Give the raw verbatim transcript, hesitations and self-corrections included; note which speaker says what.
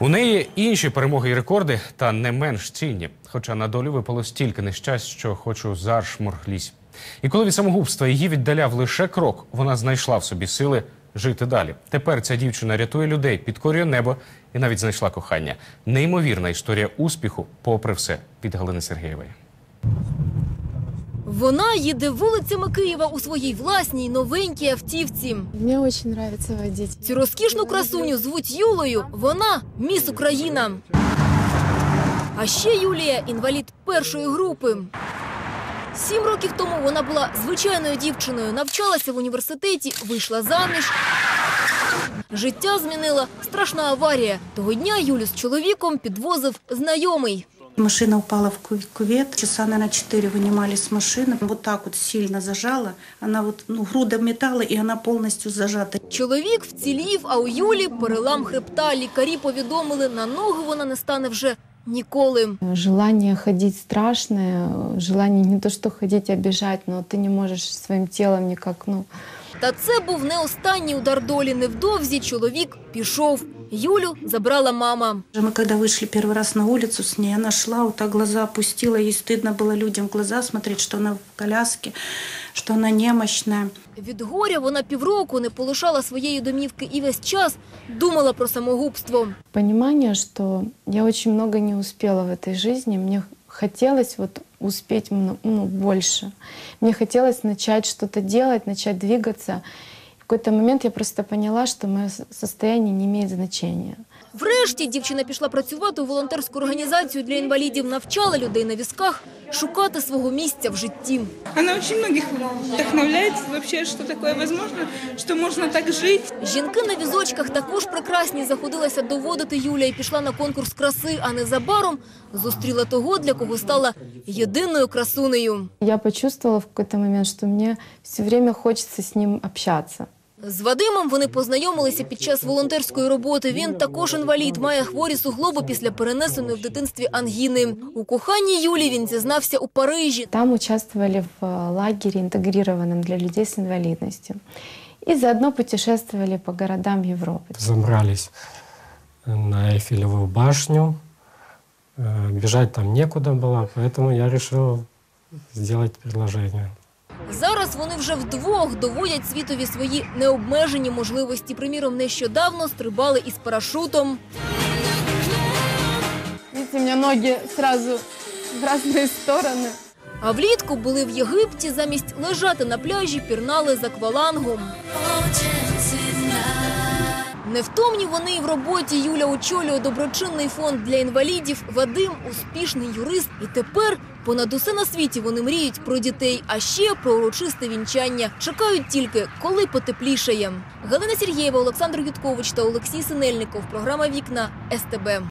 Speaker 1: У неї інші перемоги і рекорди, та не менш цінні. Хоча на долю випало стільки нещасть, що хочу зашморглісь. І коли від самогубства її віддаляв лише крок, вона знайшла в собі сили жити далі. Тепер ця дівчина рятує людей, підкорює небо і навіть знайшла кохання. Неймовірна історія успіху, попри все, від Галини Сергієвої.
Speaker 2: Вона їде вулицями Києва у своїй власній новенькій автівці.
Speaker 3: Мені дуже подобається водити.
Speaker 2: Цю розкішну красуню звуть Юлею. Вона – міс Україна. А ще Юлія – інвалід першої групи. Сім років тому вона була звичайною дівчиною, навчалася в університеті, вийшла заміж. Життя змінила страшна аварія. Того дня Юлю з чоловіком підвозив знайомий.
Speaker 4: Машина упала в кювет, часа, наверное, четыре вынимали с машины. Вот так вот сильно зажала, она вот, ну, груда металла, и она полностью зажата.
Speaker 2: Чоловік вцілів, а у Юлі перелам хребта. Лікарі повідомили, на ноги вона не стане вже ніколи.
Speaker 3: Желание ходить страшное, желание не то что ходить, а бежать, но ты не можешь своим телом никак, ну...
Speaker 2: Та це був не останній удар долі. Невдовзі чоловік пішов. Юлю забрала мама.
Speaker 4: Мы когда вышли первый раз на улицу с ней, она шла, вот так глаза опустила, ей стыдно было людям в глаза смотреть, что она в коляске, что она немощная.
Speaker 2: Від горя вона півроку не полишала своєї домівки і весь час думала про самогубство.
Speaker 3: Понимание, что я очень много не успела в этой жизни, мне хотелось вот успеть, ну, больше. Мне хотелось начать что-то делать, начать двигаться. В какой-то момент я просто поняла, что мое состояние не имеет значения.
Speaker 2: Врешті дівчина пішла працювати у волонтерську організацію для інвалідів, навчала людей на візках шукати свого місця в житті.
Speaker 5: Она очень многих вдохновляет вообще, что такое возможно, что можно так жить.
Speaker 2: Жінки на візочках також прекрасні, заходилася доводити Юля і пішла на конкурс краси, а незабаром зустріла того, для кого стала єдиною красунею.
Speaker 3: Я почувствовала в какой-то момент, что мне все время хочется с ним общаться.
Speaker 2: З Вадимом вони познайомилися під час волонтерської роботи. Він також інвалід, має хворі суглоби після перенесеної в дитинстві ангіни. У коханні Юлі він зізнався у Парижі.
Speaker 3: Там участвовали в лагере, интегрированном для людей с инвалидностью. И заодно путешествовали по городам Европы.
Speaker 6: Забрались на Эйфелевую башню. Бежать там некуда было, поэтому я решил сделать предложение.
Speaker 2: Зараз вони вже вдвох доводять світові свої необмежені можливості. Приміром, нещодавно стрибали із парашутом.
Speaker 3: Видите, у меня ноги сразу в разные стороны.
Speaker 2: А влітку були в Єгипті, замість лежати на пляжі, пірнали з аквалангом. Невтомні вони і в роботі. Юля очолює доброчинний фонд для інвалідів. Вадим – успішний юрист. І тепер понад усе на світі вони мріють про дітей, а ще про урочисте вінчання. Чекають тільки, коли потеплішає. Галина Сергієва, Олександр Юткович та Олексій Синельников. Програма «Вікна» ес те бе.